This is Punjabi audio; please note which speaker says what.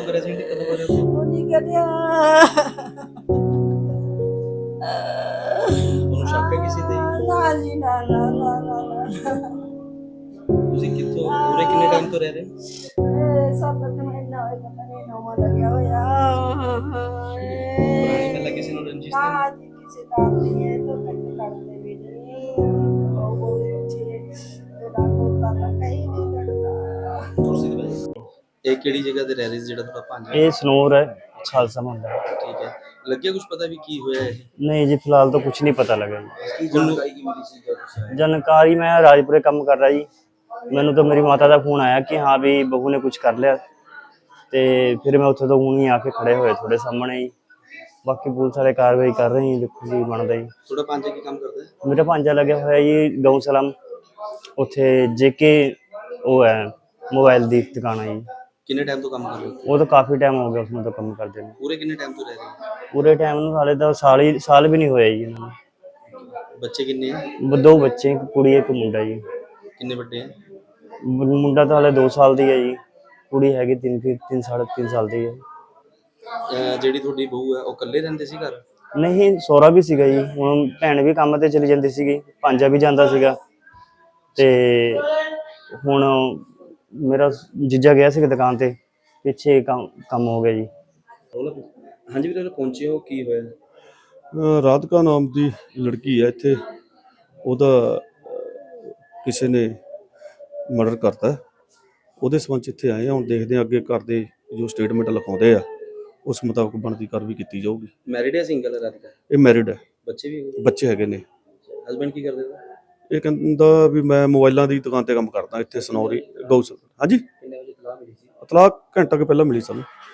Speaker 1: ਕਰਿਆ ਸੀ ਕਦੋਂ ਕਰਿਆ ਸੀ?
Speaker 2: ਉਹ ਨਹੀਂ ਕਰਿਆ।
Speaker 1: ਤੁਹਾਨੂੰ ਸ਼ੱਕ ਹੈ ਕਿਸੇ ਤੇ?
Speaker 2: ਨਾ ਜੀ ਨਾ ਨਾ ਨਾ ਨਾ।
Speaker 1: ਤੁਸੀਂ ਕਿੱਥੋਂ ਉਰੇ ਕਿੰਨੇ ਟਾਈਮ ਤੋਂ ਰਹਿ ਰਹੇ ਹੋ?
Speaker 2: ਸਭ ਤੋਂ ਮਹੀਨਾ ਹੋਇਆ ਪਤਾ ਨਹੀਂ ਨੌਵਾਂ ਲੱਗਿਆ ਹੋਇਆ।
Speaker 1: ਪੁਰਾਣੀ ਪਹਿਲਾਂ ਕਿਸੇ ਨੂੰ ਰੰਜਿਸ਼ ਤਾਂ
Speaker 2: ਨਾ ਜੀ ਕਿਸੇ ਦਾ ਨਹੀਂ ਹੈ ਤਾਂ ਕੱਟ ਕਰਦੇ ਵੀ ਨਹੀਂ। ਉਹ ਅੱਛੇ ਦਾ ਤੋਤਾ ਤਾਂ ਕहीं नहीं करता।
Speaker 1: ਕੁਰਸੀ ਤੇ ਬੈਠ। ਇਹ ਕਿਹੜੀ ਜਗ੍ਹਾ ਤੇ ਰਹਿ ਰਹੇ ਸੀ ਜਿਹੜਾ ਤੁਹਾਡਾ ਭਾਂਜਾ?
Speaker 3: ਇਹ ਸਨੋਰ ਹੈ, ਖਾਲਸਾ ਮੰਦਰ।
Speaker 1: ਠੀਕ ਹੈ, ਲੱਗਿਆ ਕੁਝ ਪਤਾ ਵੀ ਕੀ ਹੋਇਆ ਇਹ?
Speaker 3: नहीं जी, फिलहाल तो कुछ नहीं पता लगा जी।
Speaker 1: ਕੀ ਜਾਣਕਾਰੀ ਕੀ ਮਿਲੀ ਸੀ ਜਦੋਂ ਤੁਸੀਂ ਆਏ?
Speaker 3: जानकारी मैं राजपुरे काम कर रहा जी। मैनू तो मेरी माता का फोन आया कि हाँ भी बहू ने कुछ कर लिया, तो फिर मैं उत्थे तो हूँ ही आके खड़े होए थोड़े सामने ही। बाकी पुलिस वाले कार्रवाई कर रहे हैं, देखो जी बनता जी।
Speaker 1: ਤੁਹਾਡਾ ਭਾਂਜਾ ਕੀ ਕੰਮ ਕਰਦਾ ਹੈ?
Speaker 3: मेरा भांजा लगे हुआ जी गऊ सलाम, उत्थे जेके वो है मोबाइल की दुकान है जी।
Speaker 1: ਕਿੰਨੇ ਟਾਈਮ ਤੋਂ ਕੰਮ ਕਰ ਰਹੇ ਹੋ?
Speaker 3: वो तो काफ़ी टाइम हो गया उसमें तो काम करते हैं।
Speaker 1: ਪੂਰੇ ਕਿੰਨੇ ਟਾਈਮ ਤੋਂ ਰਹਿ ਰਹੇ ਹੋ?
Speaker 3: पूरे टाइम हाले तो साल भी नहीं होया जी इन्होंने।
Speaker 1: ਬੱਚੇ ਕਿੰਨੇ ਹੈ?
Speaker 3: दो बच्चे, एक कुड़ी एक मुंडा जी।
Speaker 1: ਕਿੰਨੇ ਵੱਡੇ ਹੈ?
Speaker 3: मुंडा तो हाले 2 साल दी है जी, कुड़ी हैगी 3 साढ़े 3 साल दी है।
Speaker 1: ਜਿਹੜੀ ਤੁਹਾਡੀ ਬਹੂ ਹੈ ਉਹ ਇਕੱਲੇ ਰਹਿੰਦੇ ਸੀ ਘਰ?
Speaker 3: नहीं सौरा भी सीगा जी, हुण भैन भी काम ते चली जाती सीगी, भांजा भी जांदा सीगा ते हुण मेरा जीजा गया सीगा दुकान ते, पिछे काम हो गया जी।
Speaker 1: ਹਾਂਜੀ ਵੀਰੇ, ਪਹੁੰਚੇ ਹੋ, ਕੀ ਹੋਇਆ?
Speaker 4: ਰਾਧਿਕਾ ਨਾਮ ਦੀ ਲੜਕੀ ਹੈ ਇੱਥੇ, ਉਹਦਾ ਕਿਸੇ ਨੇ ਮਰਡਰ ਕਰਤਾ। ਉਹਦੇ ਸੰਬੰਧ 'ਚ ਇੱਥੇ ਆਏ ਹਾਂ। ਹੁਣ ਦੇਖਦੇ ਹਾਂ ਅੱਗੇ ਘਰ ਦੇ ਜੋ ਸਟੇਟਮੈਂਟ ਲਿਖਾਉਂਦੇ ਆ ਉਸ ਮੁਤਾਬਕ ਬਣਦੀ ਕਾਰਵਾਈ ਕੀਤੀ ਜਾਊਗੀ।
Speaker 1: ਮੈਰਿਡ ਹੈ ਸਿੰਗਲ ਹੈ ਰਾਧਿਕਾ?
Speaker 4: ਇਹ ਮੈਰਿਡ ਹੈ,
Speaker 1: ਬੱਚੇ ਵੀ ਹੈਗੇ?
Speaker 4: ਬੱਚੇ ਹੈਗੇ ਨੇ।
Speaker 1: ਹਸਬੈਂਡ ਕੀ ਕਰਦੇ ਨੇ?
Speaker 4: ਇਹ ਕਹਿੰਦਾ ਵੀ ਮੈਂ ਮੋਬਾਈਲਾਂ ਦੀ ਦੁਕਾਨ ਤੇ ਕੰਮ ਕਰਦਾ ਇੱਥੇ ਸਨੌਰੀ ਗਊਸ਼ਾਲਾ। ਹਾਂਜੀ,
Speaker 1: ਕਿੰਨੇ ਵਜੇ ਤਲਾਹ ਮਿਲੀ ਸੀ?
Speaker 4: ਇਤਲਾਹ ਘੰਟਾ ਕੁ ਪਹਿਲਾਂ ਮਿਲੀ ਸਾਨੂੰ।